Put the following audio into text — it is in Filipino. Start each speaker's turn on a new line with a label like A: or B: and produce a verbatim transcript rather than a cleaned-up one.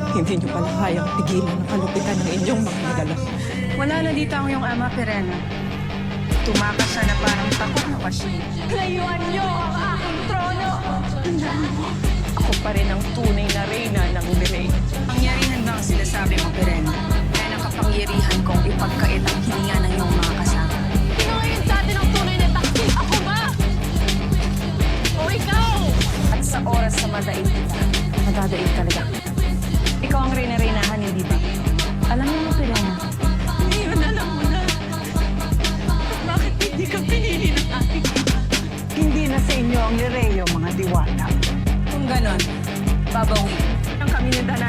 A: Hindi niyo pala kayang pigilan ang kalupitan ng inyong mga nilalang.
B: Wala na dito ang iyong ama, Perena. Tumakas siya na parang takot na kasi.
A: Layuan niyo ang aking trono!
B: Ako pa rin ang tunay na reyna ng Lirey. Pangyarihan ba ang sinasabi mo, Perena? Kaya nakapangyarihan kong ipagkait ang hininga ng iyong mga kasama.
A: Sino ngayon sa atin ang tunay na taksil? Ako ba? O ikaw?
B: At sa oras na madaig kita, madadaig talaga. Ikaw ang reyna-reynahan, hindi ba? Alam mo mo, Perena.
A: Ngayon alam mo na. Bakit hindi ka pinili ng aking
C: Hindi na sa inyo ang Lireyo, mga diwata.
B: Kung ganon, babawi. Ang kami ni Dana